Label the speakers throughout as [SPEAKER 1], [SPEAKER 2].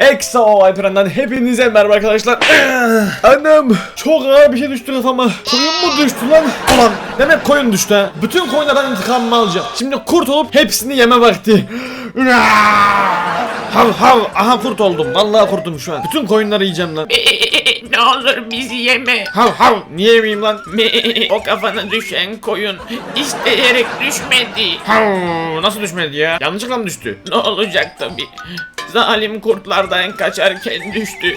[SPEAKER 1] Exo Alperen'den hepinize merhaba arkadaşlar. Annem çok ağır bir şey düştü kafama. Koyun mu düştü lan? Ulan demek koyun düştü ha. Bütün koyunlardan intikamımı alacağım. Şimdi kurt olup hepsini yeme vakti. Hav hav, aha kurt oldum. Vallahi kurtum şu an. Bütün koyunları yiyeceğim lan.
[SPEAKER 2] Ne olur bizi yeme.
[SPEAKER 1] Hav hav, niye yemeyeyim lan?
[SPEAKER 2] O kafana düşen koyun isteyerek düşmedi.
[SPEAKER 1] Hav, nasıl düşmedi ya? Yanlışlıkla mı düştü?
[SPEAKER 2] Ne olacak tabi. Zalim kurtlardan kaçarken düştü.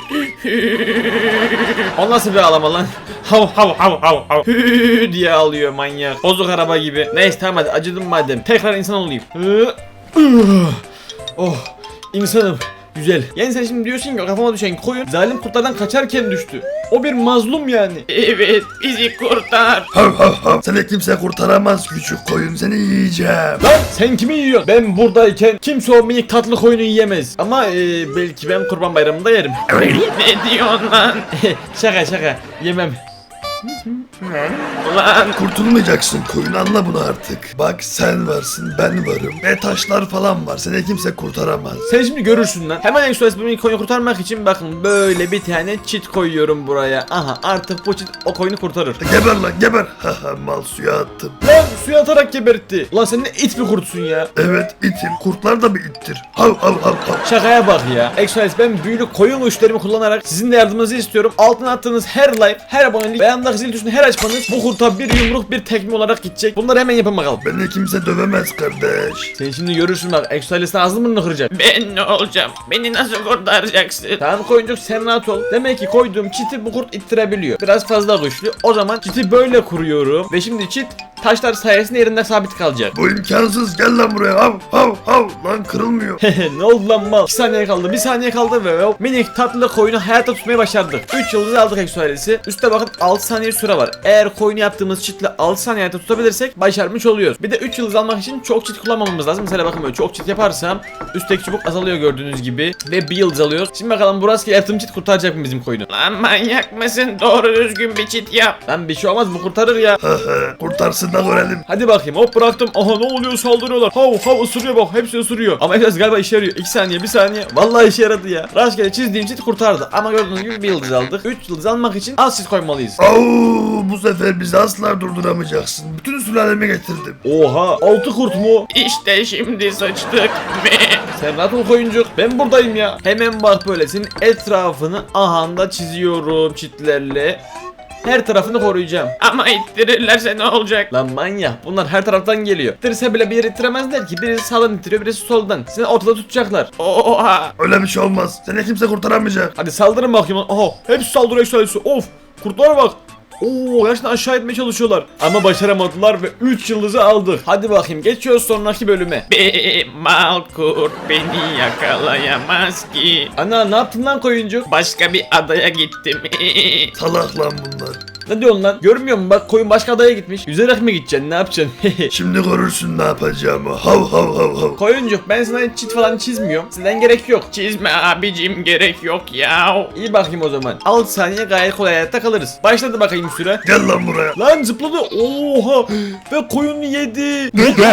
[SPEAKER 1] O nasıl bir ağlama lan? Hav hav hav hav hav diye ağlıyor manyak. Bozuk araba gibi. Neyse tamam hadi acıdım madem. Tekrar insan olayım. Oh, insanım. Güzel. Yani sen şimdi diyorsun ki kafama düşen koyun zalim kurtlardan kaçarken düştü. O bir mazlum yani.
[SPEAKER 2] Evet, bizi kurtar.
[SPEAKER 3] Hav hav hav. Seni kimse kurtaramaz küçük koyun, seni yiyeceğim.
[SPEAKER 1] Lan sen kimi yiyorsun? Ben buradayken kimse o minik tatlı koyunu yiyemez. Ama belki ben kurban bayramında yerim.
[SPEAKER 2] Ne diyorsun lan?
[SPEAKER 1] Şaka yemem.
[SPEAKER 2] Ulan
[SPEAKER 3] Kurtulmayacaksın koyun, anla bunu artık. Bak sen varsın, ben varım ve taşlar falan var, seni kimse kurtaramaz.
[SPEAKER 1] Sen şimdi görürsün lan. Hemen Exodus bu minik koyunu kurtarmak için bakın böyle bir tane çit koyuyorum buraya. Aha artık bu çit o koyunu kurtarır.
[SPEAKER 3] Geber lan geber. Haha, mal suya attım.
[SPEAKER 1] Lan suya atarak gebertti. Ulan sen ne it bir kurtsun ya.
[SPEAKER 3] Evet itim, kurtlar da bir ittir. Hav hav hav hav.
[SPEAKER 1] Şakaya bak ya. Exodus ben büyülü koyun uçlarımı kullanarak sizin de yardımınızı istiyorum. Altına attığınız her like, her abonelik ve yandaki zil tuşunu her açmanız bu kurta bir yumruk bir tekme olarak gidecek. Bunları hemen yapın bakalım.
[SPEAKER 3] Beni kimse dövemez kardeş.
[SPEAKER 1] Sen şimdi görürsün bak. Exodus'ın ağzını burnunu kıracak.
[SPEAKER 2] ben ne olacağım? Beni nasıl kurtaracaksın?
[SPEAKER 1] Tamam koyuncuk sen rahat ol. Demek ki koyduğum çiti bu kurt ittirebiliyor. Biraz fazla güçlü. O zaman çiti böyle kuruyorum. Ve şimdi çit taşlar sayesinde yerinde sabit kalacak.
[SPEAKER 3] Bu imkansız, gel lan buraya. Hav hav hav. Lan kırılmıyor.
[SPEAKER 1] Ne oldu lan mal? 2 saniye kaldı. 1 saniye kaldı ve o minik tatlı koyunu hayata tutmaya başardık. 3 yıldız aldık Exodus'ı. Üste bakın 6 saniye süre var. Eğer koyunu yaptığımız çitle 6 saniye hayata tutabilirsek başarmış oluyoruz. Bir de 3 yıldız almak için çok çit kullanmamamız lazım. Mesela bakın böyle çok çit yaparsam üstteki çubuk azalıyor gördüğünüz gibi. Ve 1 yıldız alıyoruz. Şimdi bakalım bu rastgele yaptığım çit kurtaracak mı bizim koyunu?
[SPEAKER 2] Lan manyak mısın? Doğru düzgün bir çit yap.
[SPEAKER 1] Lan bir şey olmaz bu kurtarır ya.
[SPEAKER 3] Haha, kurtarsın da görelim.
[SPEAKER 1] Hadi bakayım hop bıraktım. Aha ne oluyor saldırıyorlar. Hav hav ısırıyor bak hepsi ısırıyor. Ama esas galiba işe yarıyor. 2 saniye 1 saniye. Vallahi işe yaradı ya. Rastgele çizdiğim çit kurtardı. Ama gördüğünüz gibi 1 yıldız aldık. 3 yıldız almak için az çit koymalıyız.
[SPEAKER 3] Au, bu sefer bizi asla durduramayacaksın. Bütün sülalemi getirdim.
[SPEAKER 1] Oha 6 kurt mu?
[SPEAKER 2] İşte şimdi sıçtık.
[SPEAKER 1] Sen rahat ol koyuncuk. Ben buradayım ya. Hemen bak böyle senin etrafını ahanda çiziyorum çitlerle. Her tarafını koruyacağım.
[SPEAKER 2] Ama ittirirlerse ne olacak?
[SPEAKER 1] Lan manyak bunlar her taraftan geliyor. İttirse bile bir yere ittiremezler ki. Birisi sağdan ittiriyor birisi soldan. Seni ortada tutacaklar.
[SPEAKER 2] Oha.
[SPEAKER 3] Öyle bir şey olmaz. Seni kimse kurtaramayacak.
[SPEAKER 1] Hadi saldırın bakayım. Aha hepsi saldırıyor Exodus'u. Of kurtlara bak. Oo gerçekten aşağı etmeye çalışıyorlar. Ama başaramadılar ve 3 yıldızı aldık. Hadi bakayım geçiyoruz sonraki bölüme.
[SPEAKER 2] Mal kurt beni yakalayamaz ki.
[SPEAKER 1] Ana ne yaptın lan koyuncuk?
[SPEAKER 2] Başka bir adaya gittim.
[SPEAKER 3] Salak lan bunlar.
[SPEAKER 1] Ne diyorsun lan? Görmüyor musun bak koyun başka adaya gitmiş. Yüzerek mi gideceksin ne yapacaksın?
[SPEAKER 3] Şimdi görürsün ne yapacağımı. Hav hav hav hav.
[SPEAKER 1] Koyuncuk ben sana hiç çit falan çizmiyorum. Sizden gerek yok.
[SPEAKER 2] Çizme abicim gerek yok ya.
[SPEAKER 1] İyi bakayım o zaman. 6 saniye gayet kolay hayatta kalırız. Başladı bakayım süre.
[SPEAKER 3] Gel lan buraya.
[SPEAKER 1] Lan zıpladı. Oha. Ve koyun yedi.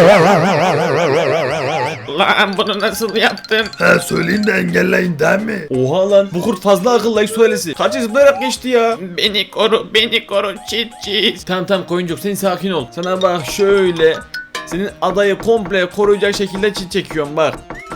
[SPEAKER 2] Lan bunu nasıl yaptın?
[SPEAKER 3] He söyleyin de engelleyin değil mi?
[SPEAKER 1] Oha lan. Bu kurt fazla akıllı söylesi. Kaç zıplayarak geçti ya.
[SPEAKER 2] Beni koru çit çiz.
[SPEAKER 1] Tamam koyuncuk sen sakin ol. Sana bak şöyle. Senin adayı komple koruyacak şekilde çit çekiyorum bak.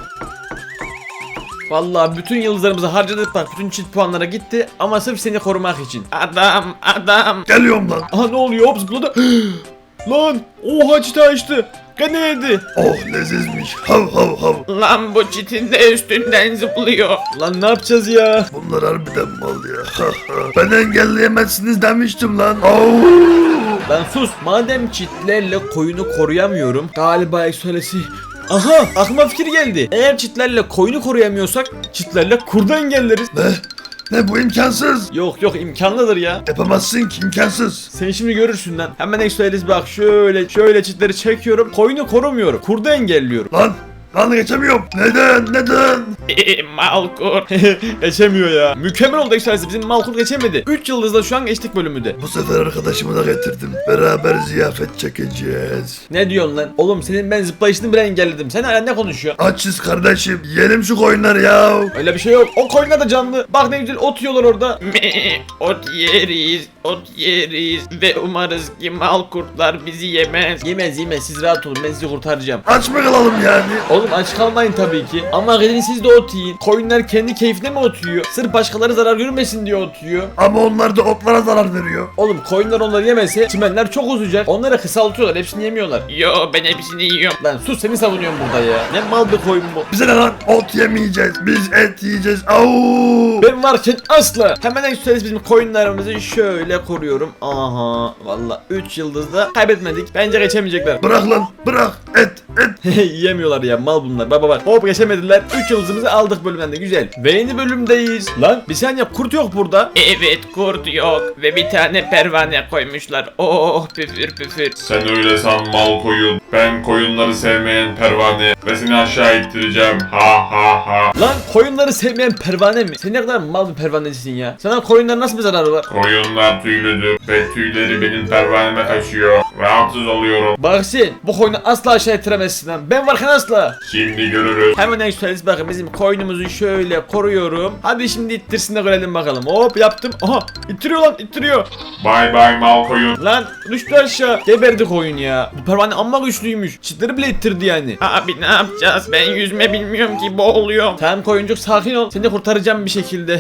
[SPEAKER 1] Vallahi bütün yıldızlarımızı harcadık bak bütün çit puanlara gitti ama sırf seni korumak için.
[SPEAKER 2] Adam.
[SPEAKER 3] Geliyorum lan.
[SPEAKER 1] Aha ne oluyor hop zıpladı. Lan oha çiti açtı. Gene yedi.
[SPEAKER 3] Oh lezizmiş. Hav hav hav.
[SPEAKER 2] Lan bu çitin de üstünden zıplıyor.
[SPEAKER 1] Lan ne yapacağız ya?
[SPEAKER 3] Bunlar harbiden mal ya. Ha, ha. Ben engelleyemezsiniz demiştim lan. Au.
[SPEAKER 1] Lan sus. Madem çitlerle koyunu koruyamıyorum. Galiba söylesi. Aha aklıma fikir geldi. Eğer çitlerle koyunu koruyamıyorsak çitlerle kurdu engelleriz.
[SPEAKER 3] Ne? Ne bu imkansız?
[SPEAKER 1] Yok imkanlıdır ya.
[SPEAKER 3] Yapamazsın ki imkansız.
[SPEAKER 1] Sen şimdi görürsün lan. Hemen Exodus bak şöyle çitleri çekiyorum. Koyunu korumuyorum. Kurdu engelliyorum.
[SPEAKER 3] Lan Lan geçemiyorum. Neden?
[SPEAKER 2] Mal kurt.
[SPEAKER 1] Geçemiyor ya. Mükemmel oldu ekstresi. Bizim Malkurt geçemedi. 3 yıldızla şu an geçtik bölümü de.
[SPEAKER 3] Bu sefer arkadaşımı da getirdim. Beraber ziyafet çekeceğiz.
[SPEAKER 1] Ne diyorsun lan? Oğlum senin ben zıplayışını bile engelledim. Sen hala ne konuşuyorsun?
[SPEAKER 3] Açız kardeşim. Yiyelim şu koyunları ya.
[SPEAKER 1] Öyle bir şey yok. O koyunlar da canlı. Bak ne güzel ot yiyorlar orada.
[SPEAKER 2] Ot yeriz ve umarız ki mal kurtlar bizi yemez.
[SPEAKER 1] Yemez. Siz rahat olun. Ben sizi kurtaracağım.
[SPEAKER 3] Aç mı kalalım yani?
[SPEAKER 1] Oğlum aç kalmayın tabii ki. Ama gelin siz de ot yiyin. Koyunlar kendi keyfine mi ot yiyor? Sırf başkaları zarar görmesin diye ot yiyor.
[SPEAKER 3] Ama onlar da otlara zarar veriyor.
[SPEAKER 1] Oğlum koyunlar onları yemese çimenler çok uzayacak. Onları kısaltıyorlar. Hepsini yemiyorlar.
[SPEAKER 2] Yo, ben hepsini yiyorum.
[SPEAKER 1] Lan sus, seni savunuyorum burada ya. Ne mal bir koyun bu.
[SPEAKER 3] Bize ne lan? Ot yemeyeceğiz. Biz et yiyeceğiz. Au!
[SPEAKER 1] Ben varken asla. Hemen ekstresi bizim koyunlarımızı şöyle koruyorum. Aha. Valla 3 yıldızda kaybetmedik. Bence geçemeyecekler.
[SPEAKER 3] Bırak lan. Bırak. Et.
[SPEAKER 1] Yiyemiyorlar ya, mal bunlar. Bak. Hop geçemediler. 3 yıldızımızı aldık bölümden de, güzel. Ve yeni bölümdeyiz. Lan bir saniye, kurt yok burada.
[SPEAKER 2] Evet, kurt yok ve bir tane pervane koymuşlar. Oh, püfür.
[SPEAKER 4] Sen öyle san mal koyun. Ben koyunları sevmeyen pervane ve seni aşağı ittireceğim. Ha.
[SPEAKER 1] Lan koyunları sevmeyen pervane mi? Sen ne kadar mal bir pervanecisin ya. Sana koyunların nasıl bir zararı var?
[SPEAKER 4] Koyunlar tüylüdür ve tüyleri benim pervaneme kaçıyor. Rahatsız oluyorum.
[SPEAKER 1] Bak sen bu koyunu asla aşağı ettiremezsin lan. Ben varken asla.
[SPEAKER 4] Şimdi görürüz.
[SPEAKER 1] Hemen ekstralist, bakın bizim koyunumuzu şöyle koruyorum. Hadi şimdi ittirsin de görelim bakalım. Hop yaptım. Aha ittiriyor lan, ittiriyor.
[SPEAKER 4] Bay mal koyun.
[SPEAKER 1] Lan düştü aşağı. Geberdi koyun ya. Bu pervane amma güçlüymüş. Çitleri bile ittirdi yani.
[SPEAKER 2] Abi ne yapacağız? Ben yüzme bilmiyorum ki, boğuluyorum.
[SPEAKER 1] Tamam koyuncuk, sakin ol. Seni kurtaracağım bir şekilde.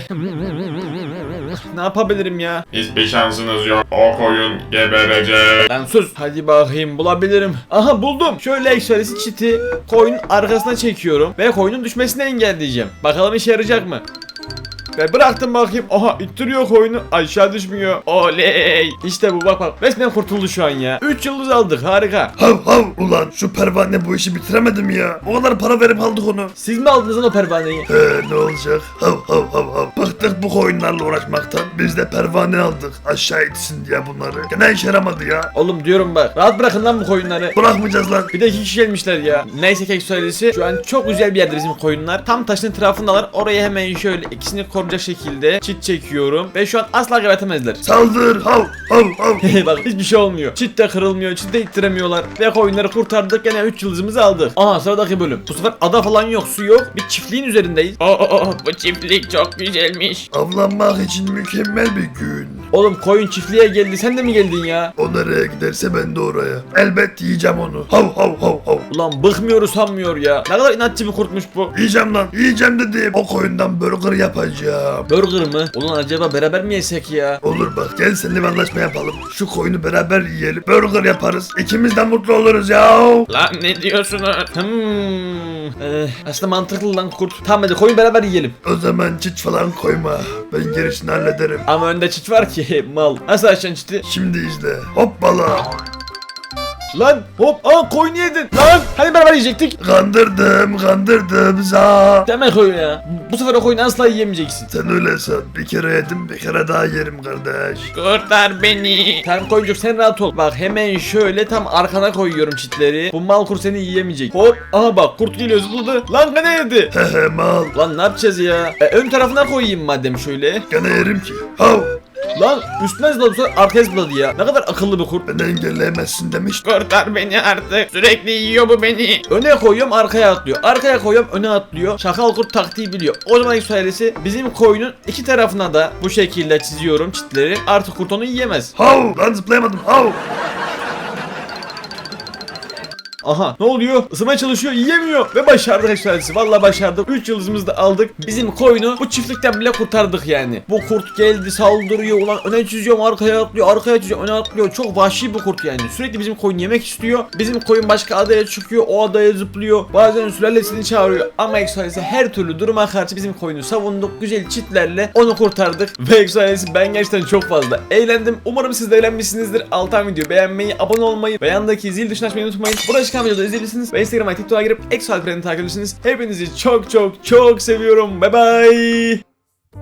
[SPEAKER 1] Ne yapabilirim ya?
[SPEAKER 4] Hiçbir şansınız yok. O koyun geberecek.
[SPEAKER 1] Lan sus. Hadi bakayım, bulabilirim. Aha buldum. Şöyle ekstralisi çiti koyunun arkasına çekiyorum. Ve koyunun düşmesini engelleyeceğim. Bakalım işe yarayacak mı? Ve bıraktım bakayım. Aha ittiriyor koyunu. Aşağı düşmüyor.
[SPEAKER 2] Oley.
[SPEAKER 1] İşte bu, bak. Resmen kurtuldu şu an ya. 3 yıldız aldık, harika.
[SPEAKER 3] Hav. Ulan şu pervane bu işi bitiremedim ya. O kadar para verip aldık onu.
[SPEAKER 1] Siz mi aldınız lan o pervaneyi?
[SPEAKER 3] Ne olacak? Hav. Bıktık bu koyunlarla uğraşmaktan. Biz de pervane aldık. Aşağı itsin diye bunları. Gene işe yaramadı ya.
[SPEAKER 1] Oğlum diyorum bak. Rahat bırakın lan bu koyunları.
[SPEAKER 3] Bırakmayacağız lan.
[SPEAKER 1] Bir de 2 kişi gelmişler ya. Neyse ki söylesi. Şu an çok güzel bir yerde bizim koyunlar. Tam taşın etrafındalar. Oraya hemen şöyle ikisini koruyacak şekilde çit çekiyorum. Ve şu an asla gebertemezler.
[SPEAKER 3] Saldır. Hav.
[SPEAKER 1] Bak hiçbir şey olmuyor. Çit de kırılmıyor. Çit de ittiremiyorlar. Ve koyunları kurtardık. Gene 3 yıldızımızı aldık. Aha sıradaki bölüm. Bu sefer ada falan yok. Su yok. Bir çiftliğin üzerindeyiz.
[SPEAKER 2] Bu çiftlik çok güzelmiş.
[SPEAKER 3] Avlanmak için mükemmel bir gün.
[SPEAKER 1] Oğlum koyun çiftliğe geldi. Sen de mi geldin ya?
[SPEAKER 3] O nereye giderse ben de oraya. Elbet yiyeceğim onu. Hav.
[SPEAKER 1] Ulan bıkmıyor usanmıyor ya. Ne kadar inatçı bir kurtmuş bu.
[SPEAKER 3] Yiyeceğim lan. Yiyeceğim dedim. O koyundan burger yapacağım.
[SPEAKER 1] Burger mı? Ulan acaba beraber mi yesek ya?
[SPEAKER 3] Olur bak, gel seninle bir anlaşma yapalım. Şu koyunu beraber yiyelim. Burger yaparız. İkimiz de mutlu oluruz ya.
[SPEAKER 2] Lan ne diyorsunuz?
[SPEAKER 1] Aslında mantıklı lan kurt. Tamam hadi koyun beraber yiyelim.
[SPEAKER 3] O zaman çiç falan koyma. Ben gerisini hallederim.
[SPEAKER 1] Ama önde çit var ki mal. Nasıl açacaksın çiti?
[SPEAKER 3] Şimdi izle. Hoppala.
[SPEAKER 1] Lan hop, koyun yedin. Lan hani beraber yiyecektik.
[SPEAKER 3] Kandırdım za.
[SPEAKER 1] Demek koyun ya. Bu sefer o koyunu asla yiyemeyeceksin.
[SPEAKER 3] Sen öyle san. Bir kere yedim, bir kere daha yerim kardeş.
[SPEAKER 2] Kurtar beni.
[SPEAKER 1] Tamam koyuncuk, sen rahat ol. Bak hemen şöyle tam arkana koyuyorum çitleri. Bu mal kurt seni yiyemeyecek. Hop, aha bak kurt geliyor, zıpladı. Lan ne yedi?
[SPEAKER 3] Hehe mal.
[SPEAKER 1] Lan ne yapacağız ya? Ön tarafına koyayım madem şöyle.
[SPEAKER 3] Gene yerim ki. Hav.
[SPEAKER 1] Lan üstüne zıpladı, sonra arkaya zıpladı ya. Ne kadar akıllı bir kurt.
[SPEAKER 3] Beni engelleyemezsin demiştim.
[SPEAKER 2] Kurtar beni artık. Sürekli yiyor bu beni.
[SPEAKER 1] Öne koyuyorum, arkaya atlıyor. Arkaya koyuyorum, öne atlıyor. Şakal kurt taktiği biliyor. O zaman söylesi bizim koyunun iki tarafına da bu şekilde çiziyorum çitleri. Artık kurt onu yiyemez.
[SPEAKER 3] Hav. Lan zıplayamadım. Hav.
[SPEAKER 1] Aha ne oluyor? Isırmaya çalışıyor, yiyemiyor. Ve başardık ekstralisi. Vallahi başardık. 3 yıldızımızı da aldık. Bizim koyunu bu çiftlikten bile kurtardık yani. Bu kurt geldi, saldırıyor. Ulan öne çiziyorum, arkaya atlıyor. Arkaya çiziyorum, öne atlıyor. Çok vahşi bir kurt yani. Sürekli bizim koyun yemek istiyor. Bizim koyun başka adaya çıkıyor. O adaya zıplıyor. Bazen sülalesini çağırıyor. Ama ekstralisi her türlü duruma karşı bizim koyunu savunduk. Güzel çitlerle onu kurtardık. Ve ekstralisi ben gerçekten çok fazla eğlendim. Umarım siz de eğlenmişsinizdir. Alttan video beğenmeyi, abone olmayı ve yandaki zil tuşuna açmayı unutmayın. Burada çıkan videoda izleyebilirsiniz ve Instagram'a, TikTok'a girip Exo Alperen'i takip edebilirsiniz. Hepinizi çok seviyorum. Bye bye.